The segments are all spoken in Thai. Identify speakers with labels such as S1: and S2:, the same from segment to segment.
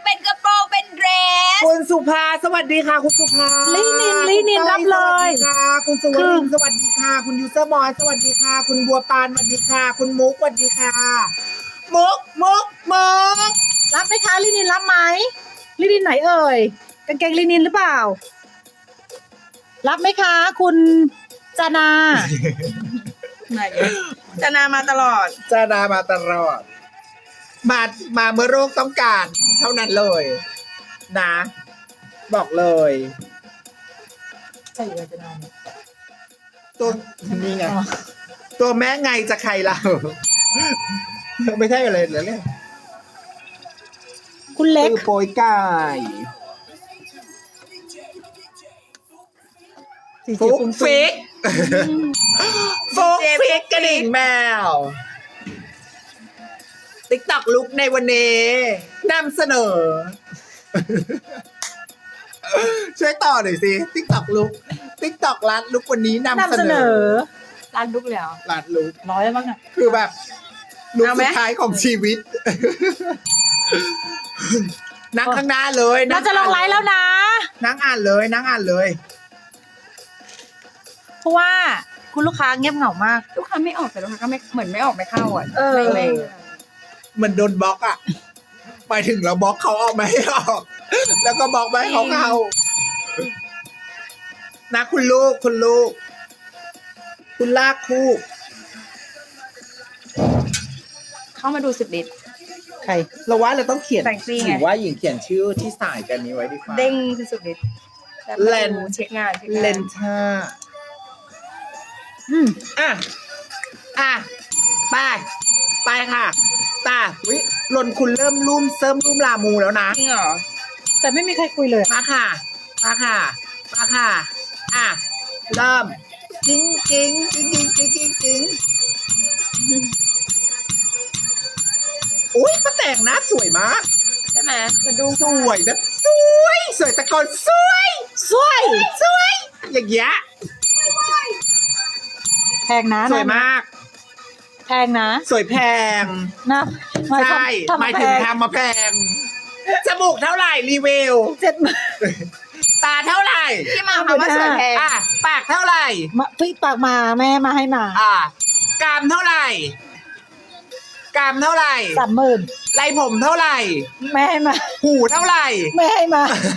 S1: เป็นกระโปรงเป็นเดรส
S2: คุณสุภาสวัสดีค่ะคุณสุภา
S3: ลินินรับเลย
S2: สวัสดีค่ะคุณสุวรรณสวัสดีค่ะคุณยูเซอร์บอยสวัสดีค่ะคุณบัวปานสวัสดีค่ะ คุณมุกสวัสดีค่ะมุก
S3: รับไหมคะลินินรับไหมลินินไหนเอ่ยกางเกงลินินหรือเปล่า รับไหมคะ คุณจานา
S1: ไหนจะนามาตลอด
S2: จาดามาตลอดมาเมื่อโรคต้องการเท่านั้นเลยนะ บอกเลย
S3: ใช่เลยจานาเนี่ย
S2: ตัวนี่ไง
S3: อ๋อ
S2: ตัวแม่ไงจะใครเรา ไม่ใช่อะไรเหรอเนี่ย
S3: คุณเล็ก
S2: คือโปยไก่
S3: สี
S2: ฟุ
S3: เขียว
S2: ก
S3: ฟุ้ง
S2: ฟิกฟุกฟิกกระดิ่งแมวติ๊กตอกลุกในวันนี้นำเสนอ ช่วยต่อหน่อยสิติ๊กตอกลุกติ๊กตอกรัดลุกวันนี้นำ
S3: นำ
S2: เส
S3: เส
S2: น
S3: น
S2: อ
S3: อ
S1: ร้านลุกเลยเหรอ
S2: รัดลุก
S3: ร้อยแล้วมั้งอ่ะ
S2: คือแบบลุก
S1: เอาไหม
S2: สุดท้ายของชีวิต นั่งข้างหน้าเลย
S3: เราจะลงไลฟ์แล้วนะ
S2: นั่งอ่านเลยนั่งอ่านเลย
S3: เพราะว่าคุณลูกค้าเงียบเหงามาก
S1: ลูกค้าไม่ออกแต่ลูกค้าก็ไม่เหมือนไม่ออกไม่เข้าอ่ะ
S3: เออ
S1: ไม่
S2: เหมือนโดนบล็อกอ่ะหมายถึงเราบล็อกเขาออกไม่ให้ออก แล้วก็บล็อกไม่ให้เขาเข้านะคุณลูก คุณลากคู่
S1: เข้ามาดู10 ลิตร
S3: ใคร
S2: เราว่าเราต้องเขียน
S1: แต่งฟรีไง
S2: หรือว่าหญิงเขียนชื่อที่สายกันนี้ไว้ดีกว่า
S1: เด้งคือ10 ลิตรแล้ว
S2: เลน
S1: เช็คงาน
S2: เลนท่า
S3: อืม
S2: อ่ะไปค่ะตาวิหล่นคุณเริ่มเสริมรุ่มลามูแล้วนะ
S1: จริงเหรอ
S3: แต่ไม่มีใครคุยเลย
S2: มาค่ะอ่ะเริ่มจริงอุ้ยป้าแต่งหน้าสวยมาก
S1: ใช่ไหมมาดู
S2: สวยแบบสวยตะโกนสวยอย่างเงี้ย
S3: แพงนะ
S2: สวยมาก
S3: แพงนะ
S2: สวยแพง
S3: นะ
S2: ใช่หมายถึงทำมาแพงจมูกเท่าไหร่รีวิว
S3: 70,000
S2: ตาเท่าไหร่
S1: ที่มาคำว่าสวยแพง
S2: อ่ะปากเท่าไหร่
S3: มาพี่ปากมาแม่มาให้มา
S2: อ่ะกรามเท่าไหร่
S3: 30,000
S2: ไรผมเท่าไหร่
S3: แม่ให้มา
S2: หูเท่าไหร่
S3: แม่ให้มา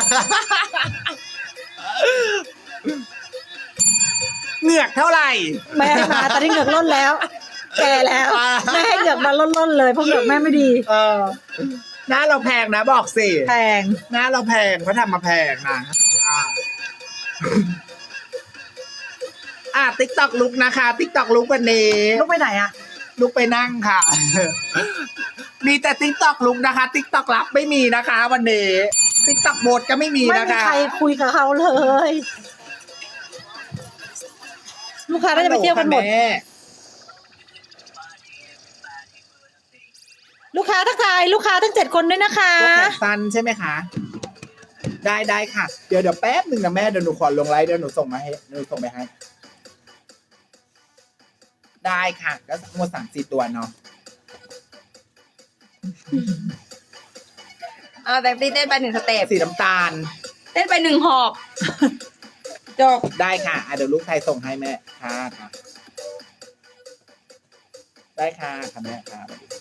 S2: เหงือกเท่าไหร่
S3: แม่ให้มาตอนนี้เหงือกล้นแล้ว แก่แล้วแม่ให้เหงือกมาล้นๆเลยเพราะเหงือกแม่ไม่ดี
S2: หน้าเราแพงนะบอกสิ
S3: แพง
S2: หน้าเราแพงเขาทำมาแพงนะติ๊กตอกลุกนะคะติ๊กตอกลุกวันนี้
S3: ลูกไปไหนอะ
S2: ลุกไปนั่งค่ะ มีแต่ติ๊กตอกลุกนะคะติ๊กตอกรับไม่มีนะคะ วันนี้ติ๊กตอกโบดก็ไม่มี
S3: ไม่
S2: นะ
S3: มี
S2: คะ
S3: ใครคุยกับเขาเลย ลูกค้าน่าจะไปเที่ยวกันหมด
S2: แม่
S3: ลูกค้าทักทายลูกค้าทั้ง7 คนด้วยนะคะ
S2: พวกแขนสั้นใช่ไหมคะ ได้ค่ะ เดี๋ยวแป๊บหนึ่งนะแม่เดี๋ยวหนูขอลงไลฟ์เดี๋ยวหนูส่งมาให้ได้ค่ะก็ทั้งหมด3-4 ตัวเนาะ
S1: แต่ตีเต้นไป1 สเต็ป
S2: สีน้ำตาล
S1: เต้นไป1 หอบจบ
S2: ได้ค่ะเดี๋ยวลูกไทยส่งให้แม่ค่ะได้ค่ะแม่ค่ะ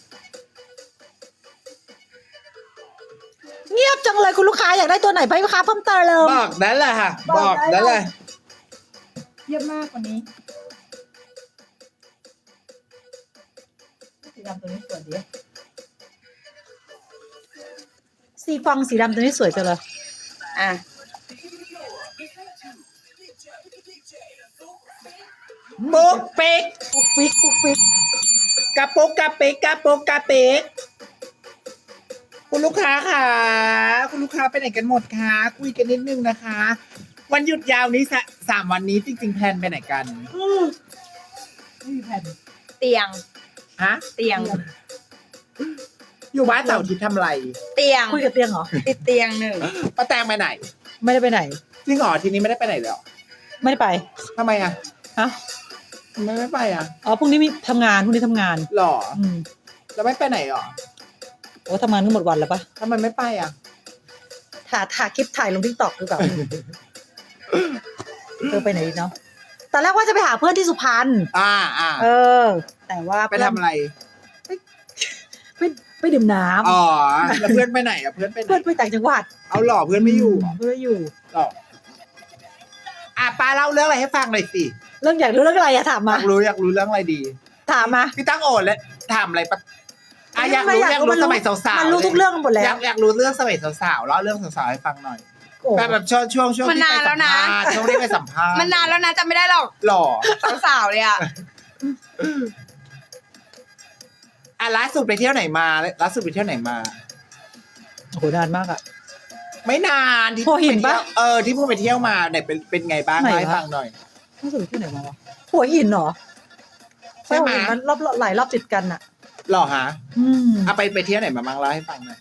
S3: เงียบจังเลยคุณลูกค้าอยากได้ตัวไหนไปลูกค้าเพิ่มเติม
S2: บอกนั้นแหละค่ะ บอกนั้นเลย
S3: เยี่ยมมากกว่านี้สีดำตัวนี้สวยดีสีฟองสีดำตัวนี้สวยจังเลย
S1: อ่ะ
S2: ปุ๊กเป๊ก
S3: ปุ๊กฟิก
S2: กระปุกกระปิกคุณลูกค้าค่ะคุณลูกค้าไปไหนกันหมดคะคุยกันนิดนึงนะคะ วันหยุดยาวนี้3 วันนี้จริงๆแพลนไปไหนกัน
S3: ไม่มีแผ่น
S1: เตียง
S2: ฮะ
S1: เตียง
S2: อยู่บ้านเสาร์อาทิตย์ทำอะไร
S1: เตียง
S3: คุยกับเตียงเหรอ
S1: ติดเตียง1
S2: ป้าแตงไปไหน
S3: ไม่ได้ไปไหน
S2: จริงเหรอทีนี้ไม่ได้ไปไหนเลยเหรอ
S3: ไม่ได้ไป
S2: ทำไมอ่ะ
S3: เอ้า
S2: ทำไมไม่ไปอ่ะ
S3: อ๋อพรุ่งนี้มีทำงาน
S2: หรอ
S3: อืม
S2: แล้วไม่ไปไหนหรอ
S3: โอ้ทำงานก็หมดวันแล้วปะ
S2: ทำไมไม่ไปอ่ะ
S3: ถ่ายคลิปถ่ายลงทิกตอกหรือเปล่า ไปไหนดีเนาะตอนแรกว่าจะไปหาเพื่อนที่สุพรรณ เออ แต่ว่า
S2: ไปทำอะไร
S3: ไปดื่มน้ำ
S2: อ๋อแล้วเพื่อนไปไหนอ่ะเพื่อนไปไหน
S3: เพื่อนไปต่างจังหวัด
S2: เอาหล่อเพื่อนไม่อยู่เหรอ
S3: เพื่อนไม่อยู่
S2: หล่อป้าเล่าเรื่องอะไรให้ฟังหน่อยสิ
S3: เรื่องอยากรู้เรื่องอะไรอะถาม
S2: อ
S3: มา
S2: ยากรู้เรื่องอะไรดี
S3: ถามมา
S2: พี่ตั้งโอนแล้วถามอะไรปะอยากรู้สมัยสาวๆ
S3: มันรู้ทุกเรื่องหมดแล้ว
S2: อยากรู้เรื่องสมัยสาวๆเล่าเรื่องสาวๆให้ฟังหน่อย
S3: โอ้
S2: แบบช่วง
S1: มัน
S2: ที่
S1: นา
S2: ไป
S1: นแล้
S2: สั
S1: ว
S2: ม
S1: นะ
S2: ภาษณ์ช่วงที่ไปสัมภาษณ์
S1: มันนานแล้วนะจำไม่ได้หรอก
S2: หล่อ
S1: สาวๆเลยอ่ะ
S2: ล่าสุดไปเที่ยวไหนมาล่าสุดไปเที่ยวไหนมา
S3: โอ้โหนานมากอะ
S2: ไม่นานที่
S3: หัวหินปะ
S2: ที่เพิ่งไปเที่ยวมาเนี่ยเป็นไงบ้าง
S3: ไหนวะ
S2: เล่าให้ฟังหน่อย
S3: รู้สึกที่ไหนมาวะหัวหินเหรอ
S2: ใช่ไหม
S3: หัวนนรอบหลายรอบติดกันอะ
S2: หล่อฮะ
S3: อืม
S2: ไปเที่ยวไหนมาบ้างเล่าให้ฟังหน่อย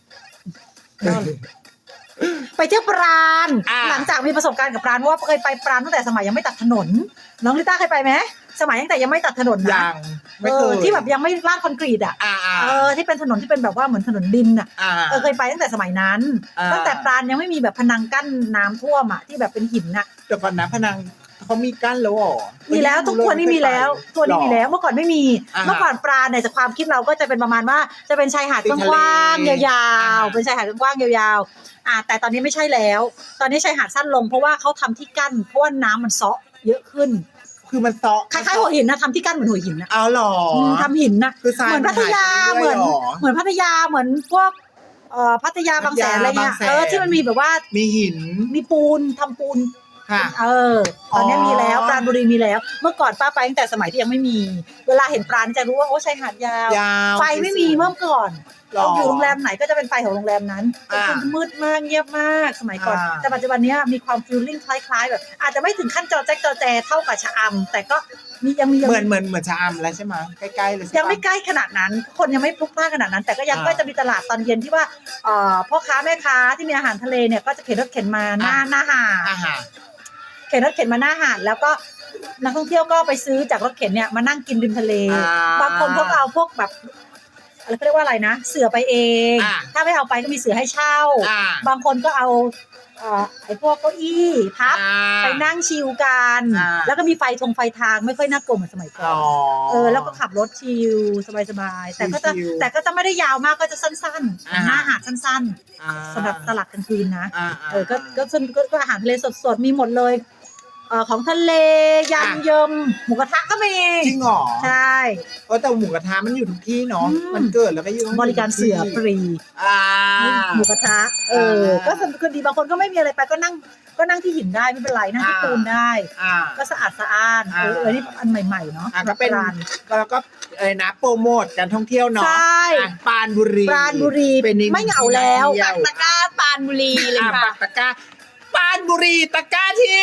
S3: ไปเที่ยวปราณ
S2: อ่า
S3: หลังจากมีประสบการณ์กับปราณเพราะว่าเคยไปปราณตั้งแต่สมัยยังไม่ตัดถนน น้องลิต้าเคยไปไหมสมัยตั้งแต่ยังไม่ตัดถนนนะ
S2: ยังไม่เคย
S3: ที่แบบยังไม่ลาดคอนกรีตอ่ะ ที่เป็นถนนที่เป็นแบบว่าเหมือนถนนดินอ่ะเคยไปตั้งแต่สมัยนั้น ตั้งแต่ปราณยังไม่มีแบบพนังกั้นน้ำท่วมอ่ะที่แบบเป็นหินอ่ะ
S2: เดี๋ยวก่อนนะพนังเขามีกั้นแล้วเหรอ
S3: มีแล้วทุกคนนี่มีแล้วตัวนี้มีแล้วเมื่อก่อนไม่มี
S2: อ่าฮะ
S3: เมื่อก่อนปราณเนี่ยจากความคิดเราก็จะเป็นประมาณว่าจะเป็นชายหาด
S2: ติด
S3: ก
S2: ทะเล
S3: ว้างๆยาว
S2: อ่า
S3: ๆเป็นชายหาดกว้างๆยาวๆแต่ตอนนี้ไม่ใช่แล้ว ตอนนี้ชายหาดสั้นลงเพราะว่าเขาทำที่กั้นเพราะว่าน้ำมันเซาะเยอะขึ้น
S2: คือมันเซาะ
S3: คล้ายๆหัวหินนะทำที่กั้นเหมือนหัวหินนะ
S2: เอาหรอ
S3: ทำหินนะ
S2: คือทราย
S3: เหมือนพัทยา
S2: มันหายไป
S3: เหมือน
S2: เรื่อยๆหรอ
S3: เหมือนพัทยาเหมือนพวกพัทยาบางแสนอะไรเงี้ย
S2: บางแสน
S3: ที่มันมีแบบว่า
S2: มีหิน
S3: มีปูนทำปูน
S2: ค่ะ
S3: ตอนนี้
S2: อ๋อ
S3: มีแล้วปราณบุรีมีแล้ว เมื่อก่อนป้าไปตั้งแต่สมัยที่ยังไม่มี เวลาเห็นปราณจะรู้ว่าโอ้ชายหาดยาว
S2: ยาว
S3: ไฟไม่มีเมื่อก่อน
S2: หรอ
S3: อยู่โรงแรมไหนก็จะเป็นไฟของโรงแรมนั้น
S2: อ่า
S3: มืดมากเงียบมากสมัยก่อน
S2: อ่า
S3: แต่ปัจจุบันเนี้ยมีความฟีลลิ่งคล้ายๆแบบอาจจะไม่ถึงขั้นจอแจ๊กจอแจเท่ากับชะอำแต่ก็ยังมี
S2: เหมือนชะอำแล้วใช่ไหมใกล้ๆเลยใช่ปะ
S3: ยังไม่ใกล้ขนาดนั้น คนยังไม่พลุกพล่านขนาดนั้น แต่ก็ยัง
S2: อ่า
S3: ก็จะมีตลาดตอนเย็นที่ว่าพ่อค้าแม่ค้าที่มีอาหารทะเลเนี่ยก็จะเข็นรถเข็นมาหน้าหาด
S2: อาหาร
S3: เข็นรถเข็นมาหน้าหาดแล้วก็นักท่องเที่ยวก็ไปซื้อจากรถเข็นเนี่ยมานั่งกินริมทะเล บางคนเขาก็เอาพวกแบบอะไรเขาเรียกว่าอะไรนะ เสือไปเอง ถ้าไม่เอาไปก็มีเสือให้เช่า บางคนก็เอาไอ้พวกเก้าอี้พับไปนั่งชิลกัน แล้วก็มีไฟทางไม่ค่อยน่ากลัวเหมือนสมัยก่อนแล้วก็ขับรถชิลสบายๆแต่ก็จะไม่ได้ยาวมากก็จะสั้นๆหน้าหาดสั้นๆสำหรับตลาดกลางคืนนะก็อาหารทะเลสดๆมีหมดเลยของทะเลยำเยิมหมูกระทะก็มี
S2: จริงเหรอ
S3: ใช่
S2: แต่หมูกระทะมันอยู่ทุกที่เนาะ
S3: อืม
S2: มันเกิดแล้วก็อยู่
S3: บริการเสือฟรี หมูกระทะก็สนุกดีบางคนก็ไม่มีอะไรไปก็นั่งที่หินได้ไม่เป็นไรนั่งที่ปูนได้ ก็สะอาดสะอ้านนี่อันใหม่ๆเนาะ
S2: ก็เป็น
S3: ร้าน
S2: แล้วก็นะโปรโมทการท่องเที่ยวเนาะ
S3: ใช่
S2: ปรานบุรี
S3: ปราณบุรี
S2: เป็นอีก
S3: ไม่เหงาแล้ว
S2: ที่
S1: ปักตะกร้าปานบุรีเลย
S2: อ่ะ
S1: ค่ะ
S2: ปักตะกร้าปรานบุรีตะกร้าที่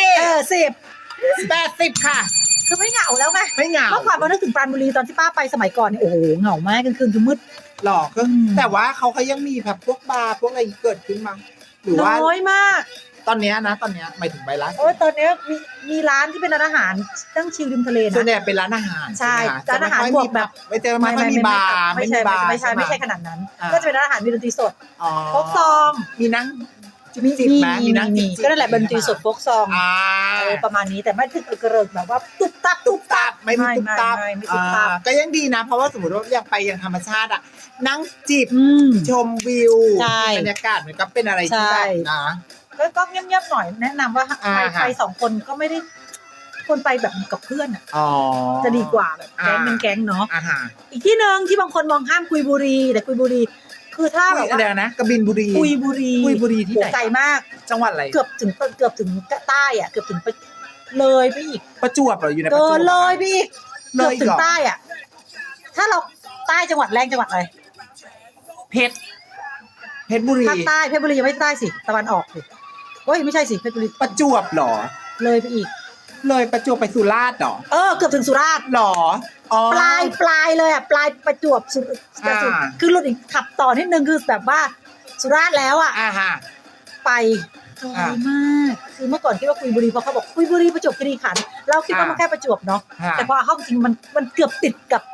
S2: 80 ค่ะ
S3: คือไม่เหงาแล้วไง
S2: ไม่เหงา
S3: เมื่อก่อนพอนึกถึงปราณบุรีตอนที่ป้าไปสมัยก่อนเนี่ยโอ้โหเหงามากกลางคืนคือมืด
S2: หลอกก็แต่ว่าเขายังมีแบบพวกบาร์พวกอะไรเกิดขึ้นมาหรือว่า
S3: น้อยมาก
S2: ตอนเนี้ยหมายถึงใบร้าน
S3: โอ้ยตอนนี้มีร้านที่เป็นร้านอาหารตั้งชิลริมทะเล
S2: ส่วน
S3: นะ
S2: ใหญ่เป็นร้านอาหาร
S3: ใช่
S2: ไหมคะ
S3: ร้านอาหารบวกแบบ
S2: ไม่เจอไม่ค่อยมีบาร์
S3: ไม่ใช่
S2: บาร์
S3: ไม่ใช่ขนาดนั้น ก็จะเป็นร้านอาหารมีดนตรีสด
S2: อ๋อ
S3: โฟกซอง
S2: มีนั่ง
S3: มี
S2: จิบไหมมีนั่งจิบ
S3: ก็นั่นแหละดนตรีสดโฟกซอง ประมาณนี้แต่ไม่ถึงกระเริกแบบว่าตุ๊บตับ
S2: ตุ๊บตับไม่มีตุ๊บตับ
S3: ไม่ตุ๊บตับ
S2: ก็ยังดีนะ เพราะว่าสมมติว่าอยากไปอย่างธรรมชาติอ่ะนั่งจิบชมวิว
S3: ใช่
S2: บรรยากาศมันก็เป็นอะไรที่แบบนะ
S3: ก็เงียบๆหน่อยแนะนำว่าไปสองคนก็ไม่ได้คนไปแบบกับเพื่อนจะดีกว่าแบบแก๊งเป็นแก๊งเนาะอีกที่หนึ่งที่บางคนมองข้ามกุยบุรีแต่กุยบุรีคือถ้าแบบว่า
S2: เดี๋ยวนะกบินบุรี
S3: กุยบุรี
S2: ที่ไหน
S3: ไกลมาก
S2: จังหวัดอะไร
S3: เกือบถึงใต้อ่ะเกือบถึงเลยไปอีก
S2: ประจวบเหรออยู่ในประ
S3: เกิ
S2: จวบ
S3: นเลยไปอีก
S2: เล
S3: เกือบ
S2: ย
S3: ถึ
S2: เห
S3: ง
S2: รอ
S3: ใต้อ่ะถ้าเราใต้จังหวัดแรงจังหวัดอะไร
S2: เพชรบุรี
S3: ภาคใต้เพชรบุรียังไม่ใต้สิตะวันออกสิโอ้ยไม่ใช่สิเพชรบุรี
S2: ประจวบเหรอ
S3: เลยไปอีก
S2: เลยประจวบไปสุราษฎร์เหรอ
S3: เกือบถึงสุราษฎร์
S2: หรออ๋อ
S3: ปลายเลยอ่ะปลายประจวบสุด คือรถอีกขับต่อนิดนึงคือแบบว่าสุราษฎร์แล้วอ่ะ
S2: ฮะ
S3: ไปไกลมากคือเมื่อก่อนคิดว่ากุยบุรีเพราะเขาบอกกุยบุรีประจวบคีรีขันธ์เราคิดว่ามันแค่ประจวบเนาะแต่พอเข้าจริงมันเกือบติดกับ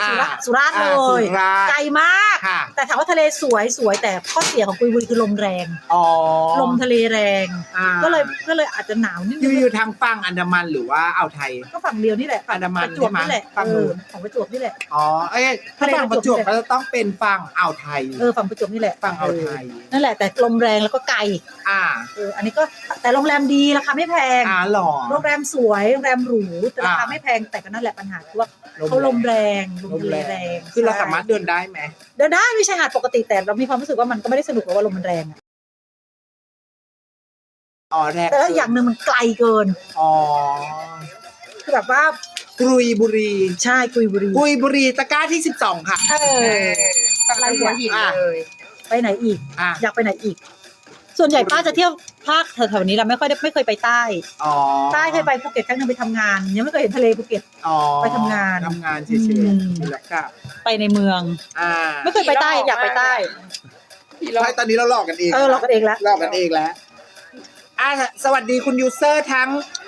S3: สุราษฎร์เล
S2: สุ
S3: ย
S2: ราษฎร์
S3: ไกลมาก
S2: ค่ะ
S3: แต่ถามว่าทะเลสวยแต่ข้อเสียของกุยบุรีคือลมแรง
S2: อ๋อ
S3: ลมทะเลแรง
S2: อ่า
S3: ก็เลยอาจจะหนาวนิด
S2: อ
S3: นึ
S2: ยู่
S3: ง
S2: อยู่ทางฝั่งอันดามันหรือว่าอ่าวไทย
S3: ก็ฝั่งเดียวนี่แหละ
S2: อันดามัน
S3: ประจวบนี่แหละ
S2: ใช่ไหมฝั่งนู้น
S3: ของประจวบนี่แหละ
S2: อ๋อเอ้ยถ้าฝั่งประจวบก็จะต้องเป็นฝั่งอ่าวไทย
S3: ฝั่งประจวบนี่แหละ
S2: ฝั่งอ่าวไทย
S3: นั่นแหละแต่ลมแรงแล้วก็ไกล
S2: อ่า
S3: อันนี้ก็แต่โรงแรมดีราคาไม่แพง
S2: หรอ
S3: โรงแรมสวยโรงแรมหรูแต่ราคาไม่แพงแต่ก็นั่นแหละปัญหาคือว่าเขาลมแรงลมทะเลแรง
S2: คือเราสามารถเดินได้ไหม
S3: เดินได้มีชายหาดปกติแต่เรามีความรู้สึกว่ามันก็ไม่ได้สนุกเพราะว่าลมมันแรงอะ
S2: อ๋อแรก
S3: แต่ว่าอย่างหนึ่งมันไกลเกิน
S2: อ๋อ
S3: คือแบบว่าก
S2: รุยบุรี
S3: ใช่กุยบุรี
S2: กุยบุรีตะกร้าที่12ค่ะ
S1: อะไรหัวหินเลย
S3: ไปไหนอีก
S2: อ่ะ
S3: อยากไปไหนอีก ส่วนใหญ่ป้าจะเที่ยวภาคแถวๆนี้เราไม่เคยไปใต้
S2: อ๋อ
S3: ใต้เคยไปภูเก็ตครั้งหนึงไปทำงานยังไม่เคยเห็นทะเลภูเก็ต
S2: อ๋อ
S3: ไปทำงาน
S2: ทำงานเฉย
S3: อืม
S2: ๆแล้วก็
S3: ไปในเมือง ไม่เคยไปใต้อยากไปใต้
S2: ใช่ตอนนี้เราหลอกกันเอง
S3: เรากันเองละ
S2: หลอกกันเองแล้วสวัสดีคุณยูเซอร์ทั้ง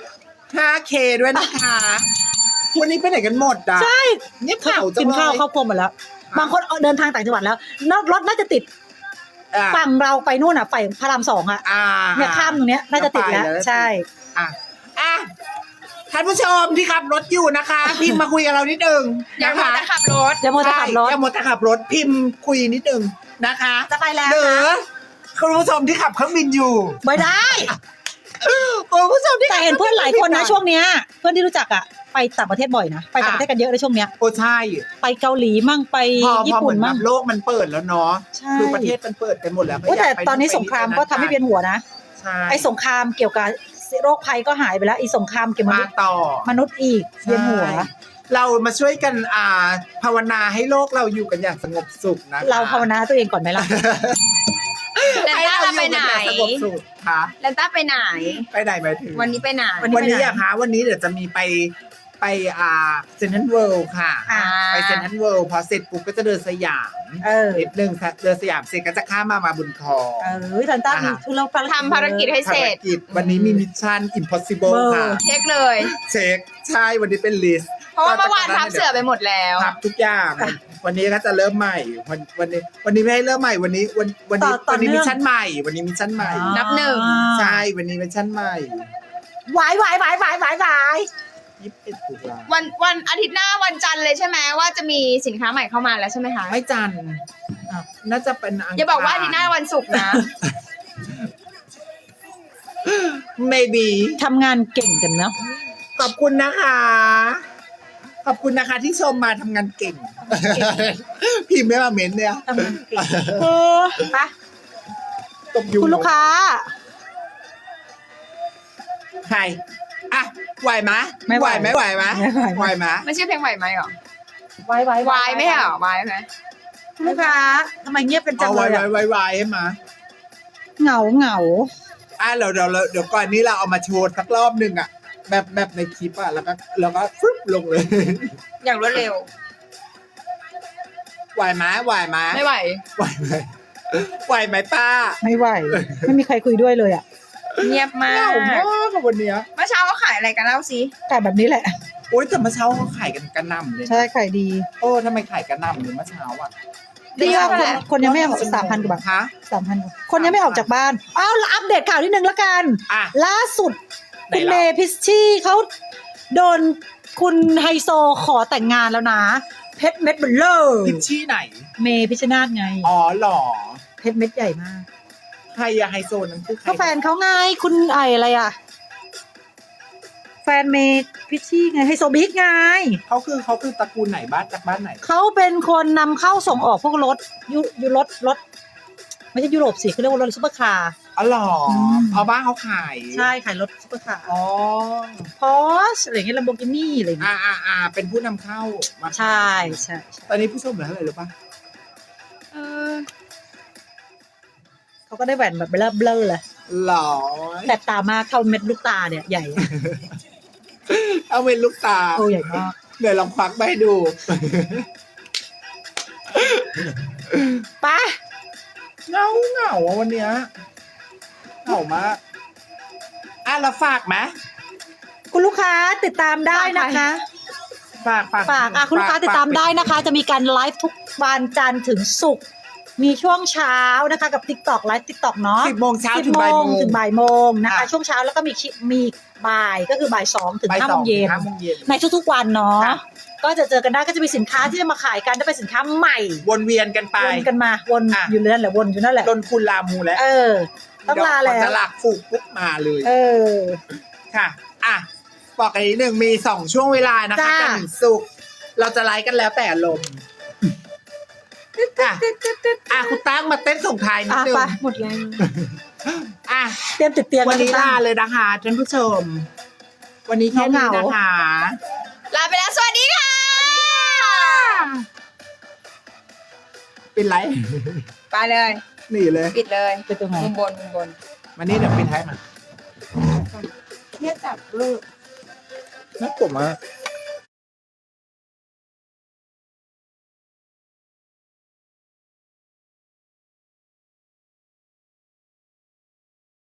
S2: 5K ด้วยนะคะ วันนี้ไปไหนกันหมดอ่ะ
S3: ใช่
S2: เงียบเหงาจัง
S3: กิน
S2: เลย
S3: ข้าวครอบครัวหมดแล้ว บางคนเดินทางต่างจังหวัดแล้วรถน่าจะติด
S2: อ่ะ
S3: ฝั่งเราไปนู่นอ่ะฝั่งพระราม2อ่ะ
S2: อ่า
S3: เนี่ยข้ามตรงเนี้ยน่าจะติดแล้ว
S2: ไปแล้ว
S3: ใช่
S2: อ่ะท่านผู้ชมที่ขับรถอยู่นะคะ พิมพ์มาคุยกับเรานิดนึง
S1: อย่า
S2: นะ
S1: มา
S2: คะ
S1: จะขับรถ
S3: เดี๋ยวโมจะขับรถ
S2: อย่ามัวแต่ขับรถพิมพ์คุยนิดนึงนะคะ
S3: จะไปแล้ว
S2: หรือ
S3: นะ
S2: คุณผู้ชมที่ขับเครื่องบินอยู่
S3: ไม่ได้
S2: คุณผู้ชมที่
S3: แต่เห็นเพื่อนหลายคนนะช่วงเนี้ยเพื่อนที่รู้จักอ่ะไปต่างประเทศบ่อยนะไปต่างประเทศกันเยอะในช่วงเนี้ย
S2: โอ้ใช่
S3: ไปเกาหลีมั่งไป
S2: พอ
S3: ญี่
S2: เห
S3: ปุ่
S2: มื
S3: น
S2: อนแบ
S3: มั่ง
S2: บโลกมันเปิดแล้วเนาะ
S3: ใช่
S2: คือประเทศมันเปิดกันหมดแล้วก็
S3: โอ้
S2: อยา
S3: แต่
S2: กไป
S3: ตอนนี้สงครามก็ทำให้เวียนหัวนะ
S2: ใช่
S3: ไอ้สงครามเกี่ยวกับโรคภัยก็หายไปแล้วอีสงครามเกี่ยวกับ
S2: มาต่อ
S3: มนุษย์อีกเวียนหัว
S2: ใช่เรามาช่วยกันภาวนาให้โลกเราอยู่กันอย่างสงบสุขนะคะ
S3: เราภาวนาตัวเองก่อนไหมล่ะ
S1: แลนต้าเราไปไหน
S2: ให้เราอยู่กันอย่างสงบสุขค่ะ
S1: แลนต้าไปไหน
S2: ไปไหนหมายถึง
S1: วันนี้ไปไหน
S3: วันนี้
S2: วันนี้อะคะวันนี้เดี๋ยวจะมีไปเซนทรัลเวิลด์ค่ะ
S3: อ่า
S2: ไปเซนทรัลเวิลด์พอเสร็จปุ๊บก็จะเดินสยาม นิดนึงค่ะเดินสยามเสร็จก็จะข้ามมาบุญครอง
S3: ทันต้ามีทุเรา
S1: ทำภารกิจให้เสร็จ
S2: ภารกิจวันนี้มีมิชชั่น impossible ค่ะ
S1: เช็คเลย
S2: เช็คใช่วันนี้เป็นลิสต์
S1: เพราะว่าเมื่อวานทับเสือไปหมดแล้ว
S2: ทับทุกอย่าง วันนี้ก็จะเริ่มใหม่วันนี้ไม่ให้เริ่มใหม่วันนี้มิชชั่นใหม่ วันนี้มิชชั่นใหม่
S1: นับหนึ่ง
S2: ใช่วันนี้มิชชั่นใหม่
S3: หวาย
S2: 21ตุลา
S1: วันอาทิตย์หน้าวันจันทร์เลยใช่ไหมว่าจะมีสินค้าใหม่เข้ามาแล้วใช่ไหมคะ
S2: ไม่จันทร์น่าจะเป็นอังคาร
S1: อย่าบอกว่าอาทิตย์หน้าวันศุกร์นะ
S2: maybe
S3: ทำงานเก่งกันเนาะ
S2: ขอบคุณนะคะ ขอบคุณนะคะที่ชมมาทำงานเก่ง พิมพ์ไม่มาเม้นเนี่ย
S3: ทำงานเก่งไป
S2: ตบยุง
S3: คุณลูกค้า
S2: ใครอ่ะไหวไหม
S3: ไม่ไหว
S2: ไหวไหม
S3: ไม่ไหว
S2: ไหวไหม
S1: ไม่ใช่เพลงไหวไหมหรอ
S3: วายวายว
S1: ายไม่ใช่หรอวายไหม
S3: คุณลูกค้าทำไมเงียบกันจั
S2: เอา
S3: ง
S2: ไหว
S3: เลย
S2: ไหว
S3: อะ
S2: ไหวให้มา
S3: เหงา
S2: เดี๋ยวก่อนนี้เราเอามาโชว์สักรอบหนึ่งอ่ะแบบในคลิปอ่ะแล้วก็ฟึบลงเลย
S1: อย่างรวดเร็ว
S2: ไหวไหมไหวไหม
S1: ไม่ไหว
S2: ไหวไหมไหวไหมป้า
S3: ไม่ไหว ไม่มีใครคุยด้วยเลยอ่ะ
S1: เงียบมา
S2: เหงาก มากอะวันเนี้ย
S1: เมื่อเช้าเขาขายอะไรกันเล่าสิ
S3: แต่แบบนี้แหละ
S2: โอ๊ยแต่เมื่อเช้าเขาขายกันกระหน่ำเลยนะ
S3: ใช่ขายดี
S2: โอ้ทำไมขายกระหน่ำเลยเมื่อเช้าอ่ะ
S3: ดีมากคนยังไม่ออก3,000 กว่าบาท
S2: ฮะ
S3: 3,000 คนยังไม่ออกจากบ้านอ้าวแล้วอัปเดตข่าวนิดนึงละกัน
S2: อ่ะ
S3: ล่าสุด
S2: ไหน
S3: คุณ
S2: ล่ะ
S3: เมพิชชี่เขาโดนคุณไฮโซขอแต่งงานแล้วนะ เพชรเม็ดเบลเลอร์
S2: พิชชี่ไหน
S3: เมพิชชนาธิ์ไง
S2: อ๋อเหรอ
S3: เพชรเม็ดใหญ่มาก
S2: ใครอะไฮโซนั้นคือใคร
S3: ก็แฟนเขาไงคุณอะไรอ่ะ แฟนเมพิชชี่ไงไฮโซบิ๊กไง
S2: เขาคือตระกูลไหนบ้านจากบ้านไหน
S3: เขาเป็นคนนำเข้าส่งออกพวกรถรถไม่ใช่ยุโรปสิเขาเรียกว่ารถซุปเปอร์คาร์
S2: อ๋อเหรอ
S3: ม
S2: เอาบ้านเขาขาย
S3: ใช่ขายรถซุปเปอร์คาร์
S2: อ๋อ
S3: พอชอะไรเงี้ยลัมโบกินี่อะไรเงี้ย
S2: เป็นผู้นำเข้ามา
S3: ใช่ใช่
S2: ตอนนี้ผู้ชมเหลือเท่าไหร่รู้ป่ะ
S3: เขาก็ได้แหวนแบบเบลอเลย
S2: หรอ
S3: แต่ตามากเข้าเม็ดลูกตาเนี่ยใหญ่
S2: เอาเป็นลูกตา
S3: โอ้ใหญ่มาก
S2: เดี๋ยวลองควักไปให้ดู
S3: ไป
S2: เหงาอะวันเนี้ยเหงามากเราฝากไหม
S3: คุณลูกค้าติดตามได้นะคะฝากคุณลูกค้าติดตามได้นะคะ จะมีการไลฟ์ทุกวันจันทร์ถึงศุกร์มีช่วงเช้านะคะกับ TikTok ไลฟ์ TikTok เนาะ
S2: 10 โมงเช้า
S3: 10
S2: ถึง
S3: โม
S2: บ่ายโม
S3: ง
S2: ง
S3: ถึงบ่ายโมงนะคะ
S2: อ่ะ
S3: ช่วงเช้าแล้วก็มีบ่ายก็คือบ่าย2ถึง
S2: บ่าย
S3: 5
S2: ส
S3: โม
S2: อง
S3: งเย็น
S2: 5 โมงเย็น
S3: ในทุกๆวันเนาะ
S2: ค่ะ
S3: ก็จะเจอกันได้ก็จะมีสินค้าที่จะมาขายกันจะเป็นสินค้าใหม่
S2: วนเวียนกันไป
S3: วนกันมาวน
S2: อ่ะ
S3: อยู่นั่นแหละวนอยู่นั่นแหละ
S2: ลนคุณลามูแล้ว
S3: ต้องลา
S2: เดี๋
S3: แล้
S2: ยวจะ
S3: ว
S2: หลักฝูกปุ๊บมาเลย
S3: เออ
S2: ค่ะ อ่ะ บอกกันนิดนึงมี 2 ช่วงเวลานะคะ
S3: จ้า
S2: จันทร์ถึงศุกร์เราจะไลฟ์กันแล้วแต่อารมณ์อ่ะคุณตั้งมาเต้นส่งท้ายนิดนึง
S3: ไปหมดแรง
S2: อ่ะ
S3: เตรียมติดเตียง
S2: วันนี้
S3: กั
S2: ลาเลยนะคะท่านผู้ชม วันนี้แค่นี้นะคะ
S1: ลาไปแล้วสวัสดีค่ะ
S2: เป็นไร
S1: ไปเลย
S2: หนีเลย
S1: ปิดเลย
S3: ไปตรงไหน
S1: มุมบนมุมบน
S2: วันนี้เดี๋ยวปิดท้ายมา
S1: เนี่ยจับลูก
S2: นักผมอะ